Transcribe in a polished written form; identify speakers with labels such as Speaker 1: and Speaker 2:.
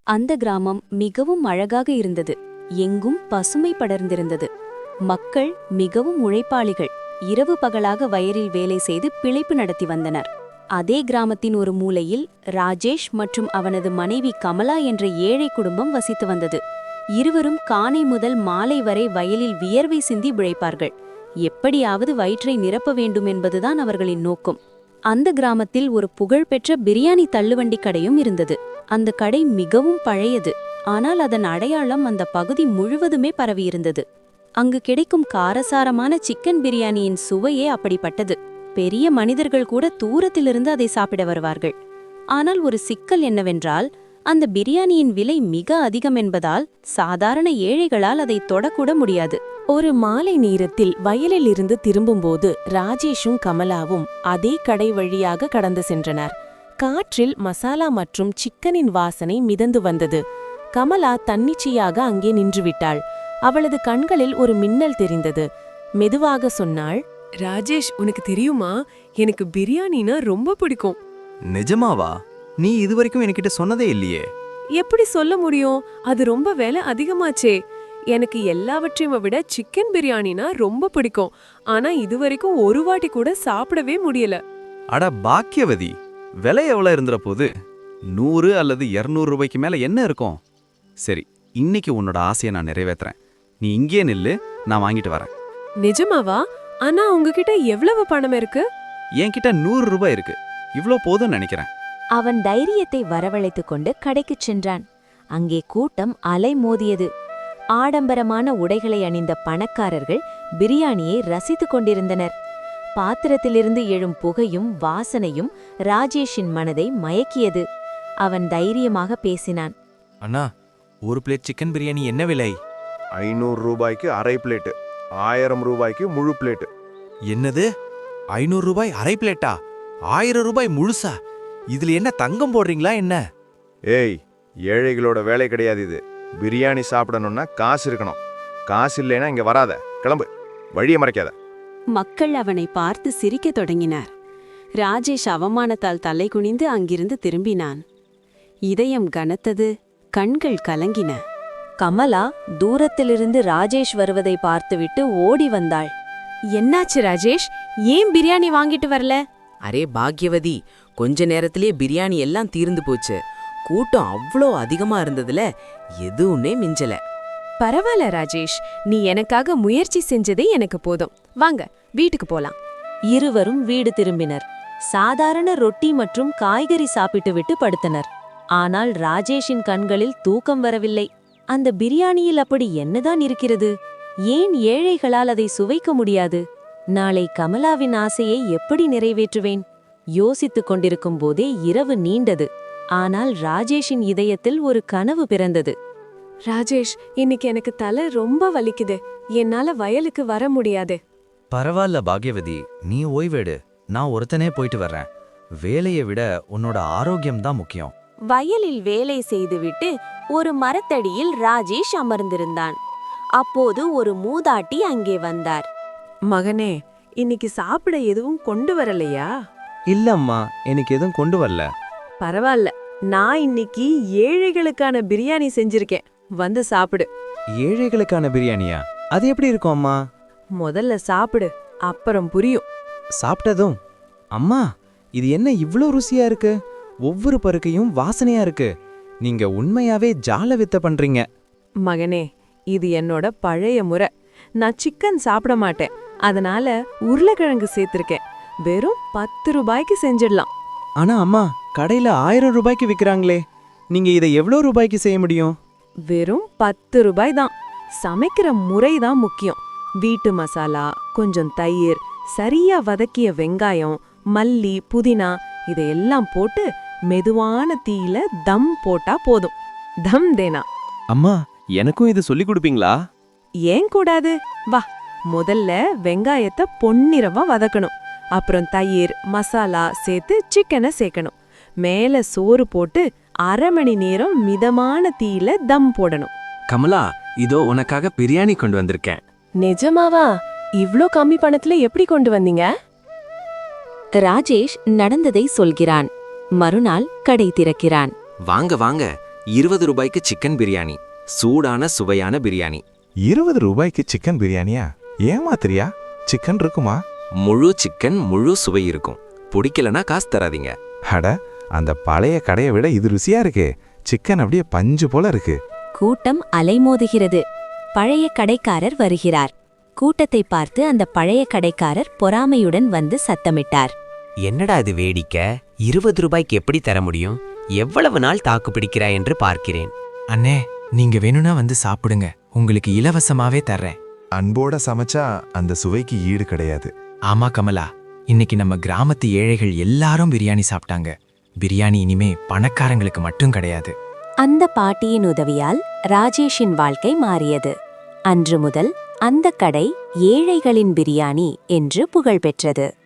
Speaker 1: அந்த கிராமம் மிகவும் அழகாக இருந்தது. எங்கும் பசுமை படர்ந்திருந்தது. மக்கள் மிகவும் உழைப்பாளிகள். இரவு பகலாக வயலில் வேலை செய்து பிழைப்பு நடத்தி வந்தனர். அதே கிராமத்தின் ஒரு மூலையில் ராஜேஷ் மற்றும் அவனது மனைவி கமலா என்ற ஏழை குடும்பம் வசித்து வந்தது. இருவரும் காலை முதல் மாலை வரை வயலில் வியர்வை சிந்தி உழைப்பார்கள். எப்படியாவது வயிற்றை நிரப்ப வேண்டும் என்பதுதான் அவர்களின் நோக்கம். அந்த கிராமத்தில் ஒரு புகழ்பெற்ற பிரியாணி தள்ளுவண்டி கடையும் இருந்தது. அந்த கடை மிகவும் பழையது. ஆனால் அதன் அடையாளம் அந்த பகுதி முழுவதுமே பரவியிருந்தது. அங்கு கிடைக்கும் காரசாரமான சிக்கன் பிரியாணியின் சுவையே அப்படிப்பட்டது. பெரிய மனிதர்கள் கூட தூரத்திலிருந்து அதை சாப்பிட வருவார்கள். ஆனால் ஒரு சிக்கல் என்னவென்றால், அந்த பிரியாணியின் விலை மிக அதிகம் என்பதால் சாதாரண ஏழைகளால் அதை தொடக்கூட முடியாது.
Speaker 2: ஒரு மாலை நேரத்தில் வயலில் இருந்து திரும்பும்போது ராஜேஷும் கமலாவும் அதே கடை வழியாக கடந்து சென்றனர். காற்றில் மசாலா மற்றும் சிக்கனின் வாசனை மிதந்து வந்தது. கமலா தன்னிச்சையாக அங்கே நின்றுவிட்டாள். அவளது கண்களில் ஒரு மின்னல் தெரிந்தது. மெதுவாக சொன்னாள்,
Speaker 3: ராஜேஷ், உனக்கு தெரியுமா, எனக்கு பிரியாணினா ரொம்ப பிடிக்கும்.
Speaker 4: நிஜமாவா? நீ இதுவரைக்கும் என்கிட்ட சொன்னதே இல்லையே.
Speaker 3: எப்படி சொல்ல முடியும்? அது ரொம்ப விலை அதிகமாச்சே. எனக்கு எல்லாவற்றையும் விட சிக்கன் பிரியாணினா ரொம்ப பிடிக்கும். ஆனா இதுவரைக்கும் ஒரு வாட்டி கூட சாப்பிடவே முடியல.
Speaker 4: அட பாக்கியவதி, விலை எவ்வளவு இருந்துற போது? 100 அல்லது 200 ரூபாய்க்கு மேல என்ன இருக்கும்? சரி, இன்னைக்கு உன்னோட ஆசையை நான் நிறைவேற்றுறேன். நீ இங்கே நில்லு, நான் வாங்கிட்டு வரேன்.
Speaker 3: நிஜமாவா? ஆனா உங்ககிட்ட எவ்வளவு பணம் இருக்கு?
Speaker 4: என்கிட்ட 100 ரூபாய் இருக்கு. இவ்ளோ போதும்னு நினைக்கிறேன்.
Speaker 1: அவன் தைரியத்தை வரவழைத்துக் கொண்டு கடைக்குச் சென்றான். அங்கே கூட்டம் அலைமோதியது. ஆடம்பரமான உடைகளை அணிந்த பணக்காரர்கள் பிரியாணியை ரசித்துக் கொண்டிருந்தனர். பாத்திரத்திலிருந்து எழும் புகையும் வாசனையும் ராஜேஷின் மனதை மயக்கியது. அவன் தைரியமாக பேசினான்.
Speaker 5: அண்ணா, ஒரு பிளேட் சிக்கன் பிரியாணி என்ன விலை?
Speaker 6: 500 ரூபாய்க்கு அரை பிளேட்டு, 1000 ரூபாய்க்கு முழு பிளேட்டு.
Speaker 5: என்னது? 500 ரூபாய் அரை பிளேட்டா? 1000 ரூபாய் முழுசா? இதுல என்ன தங்கம் போடுறீங்களா என்ன?
Speaker 6: ஏய், ஏழைகளோட வேலை கிடையாது இது. பிரியாணி சாப்பிடணும்னா காசு இருக்கணும். காசு இல்லைன்னா இங்க வராத, கிளம்பு, வழியை மறைக்காத.
Speaker 2: மக்கள் அவனை பார்த்து சிரிக்கத் தொடங்கினார். ராஜேஷ் அவமானத்தால் தலை குனிந்து அங்கிருந்து திரும்பினான். இதயம் கனத்தது, கண்கள் கலங்கின.
Speaker 1: கமலா தூரத்திலிருந்து ராஜேஷ் வருவதை பார்த்துவிட்டு ஓடி வந்தாள்.
Speaker 2: என்னாச்சு ராஜேஷ்? ஏன் பிரியாணி வாங்கிட்டு வரல?
Speaker 7: அரே பாக்யவதி, கொஞ்ச நேரத்திலே பிரியாணி எல்லாம் தீர்ந்து போச்சு. கூட்டம் அவ்வளோ அதிகமா இருந்ததுல எதுவுமே மிஞ்சல.
Speaker 3: பரவாயில்ல ராஜேஷ், நீ எனக்காக முயற்சி செஞ்சதே எனக்கு போதும். வாங்க, வீட்டுக்கு போலாம்.
Speaker 1: இருவரும் வீடு திரும்பினர். சாதாரண ரொட்டி மற்றும் காய்கறி சாப்பிட்டு விட்டு படுத்தனர். ஆனால் ராஜேஷின் கண்களில் தூக்கம் வரவில்லை. அந்த பிரியாணியில் அப்படி என்னதான் இருக்கிறது? ஏன் ஏழைகளால் அதை சுவைக்க முடியாது? நாளை கமலாவின் ஆசையை எப்படி நிறைவேற்றுவேன்? யோசித்துக் கொண்டிருக்கும் போதே இரவு நீண்டது. ஆனால் ராஜேஷின் இதயத்தில் ஒரு கனவு பிறந்தது.
Speaker 3: ராஜேஷ், இன்னைக்கு எனக்கு தலை ரொம்ப வலிக்குது. என்னால வயலுக்கு வர முடியாது.
Speaker 5: பரவாயில்ல பாக்யவதி, நீ ஓய்வெடு. நான் ஒருத்தனே போயிட்டு வர்றேன். வேலையை விட உன்னோட ஆரோக்கியம் தான் முக்கியம்.
Speaker 2: வயலில் வேலை செய்துவிட்டு ஒரு மரத்தடியில் ராஜேஷ் அமர்ந்திருந்தான். அப்போது ஒரு மூதாட்டி அங்கே வந்தார்.
Speaker 3: மகனே, இன்னைக்கு சாப்பிட எதுவும் கொண்டு வரலையா?
Speaker 4: இல்லம்மா, எனக்கு எதுவும் கொண்டு வரல.
Speaker 3: பரவாயில்ல, நான் இன்னைக்கு ஏழைகளுக்கான பிரியாணி செஞ்சிருக்கேன். வந்து சாப்பிடு.
Speaker 4: ஏழைகளுக்கான பிரியாணியா? அது எப்படி இருக்கும் அம்மா?
Speaker 3: முதல்ல சாப்பிடு, அப்புறம் புரியும்.
Speaker 4: சாப்பிட்டதும், அம்மா, இது என்ன இவ்ளோ ருசியா இருக்கு? ஒவ்வொரு பருக்கையும் வாசனையா இருக்கு. நீங்க உண்மையாவே ஜால வித்த பண்றீங்க.
Speaker 3: மகனே, இது என்னோட பழைய முறை. நான் சிக்கன் சாப்பிட மாட்டேன். அதனால உருளைக்கிழங்கு சேர்த்திருக்கேன். வெறும் 10 ரூபாய்க்கு செஞ்சிடலாம்.
Speaker 4: ஆனா அம்மா, கடையில 1000 ரூபாய்க்கு விக்கிறாங்களே. நீங்க இதை எவ்வளோ ரூபாய்க்கு செய்ய முடியும்?
Speaker 3: வெறும் 10 ரூபாய் தான். சமைக்கிற முறை தான் முக்கியம். வீட்டு மசாலா, கொஞ்சம் தயிர், சரியா வதக்கிய வெங்காயம், மல்லி, புதினா இதையெல்லாம் போட்டு மெதுவான தீயில தம் போட்டா போதும். தம் தேனா.
Speaker 4: அம்மா, எனக்கும் இது சொல்லி கொடுப்பீங்களா?
Speaker 3: ஏன் கூடாது? வா, முதல்ல வெங்காயத்தை பொன்னிறமா வதக்கணும். அப்புறம் தயிர், மசாலா சேர்த்து சிக்கனை சேர்க்கணும். மேல சோறு போட்டு 1/2 மணி நேரம் மிதமான தீயில தம் போடணும்.
Speaker 8: கமலா, இதோ உனக்காக பிரியாணி கொண்டு வந்திருக்கேன்.
Speaker 3: நிஜமாவா? இவ்ளோ கம்மி பணத்துல எப்படி கொண்டு வந்தீங்க?
Speaker 1: ராஜேஷ் நடந்ததை சொல்கிறான். மறுநாள் கடை திறக்கிறான்.
Speaker 8: வாங்க வாங்க, 20 ரூபாய்க்கு சிக்கன் பிரியாணி, சூடான சுவையான பிரியாணி.
Speaker 9: 20 ரூபாய்க்கு சிக்கன் பிரியாணியா? ஏமாத்திரியா? சிக்கன் இருக்குமா?
Speaker 8: முழு சிக்கன், முழு சுவை இருக்கும். பிடிக்கலனா காசு தராதீங்க.
Speaker 9: அட, அந்த பழைய கடையை விட இது ருசியா இருக்கே. சிக்கன் அப்படியே பஞ்சு போல இருக்கு.
Speaker 1: கூட்டம் அலைமோதுகிறது. பழைய கடைக்காரர் வருகிறார். கூட்டத்தை பார்த்து அந்த பழைய கடைக்காரர் பொறாமையுடன் வந்து சத்தமிட்டார்.
Speaker 10: என்னடா இது வேடிக்கை? 20 ரூபாய்க்கு எப்படி தர முடியும்? எவ்வளவு நாள் தாக்கு பிடிக்கிறாய் என்று பார்க்கிறேன்.
Speaker 11: அண்ணே, நீங்க வேணும்னா வந்து சாப்பிடுங்க, உங்களுக்கு இலவசமாவே தர்றேன்.
Speaker 9: அன்போட சமைச்சா அந்த சுவைக்கு ஈடு கிடையாது.
Speaker 11: ஆமா கமலா, இன்னைக்கு நம்ம கிராமத்து ஏழைகள் எல்லாரும் பிரியாணி சாப்பிட்டாங்க. பிரியாணி இனிமே பணக்காரங்களுக்கு மட்டும் கிடையாது.
Speaker 1: அந்த பாட்டியின் உதவியால் ராஜேஷின் வாழ்க்கை மாறியது. அன்று முதல் அந்த கடை ஏழைகளின் பிரியாணி என்று புகழ் பெற்றது.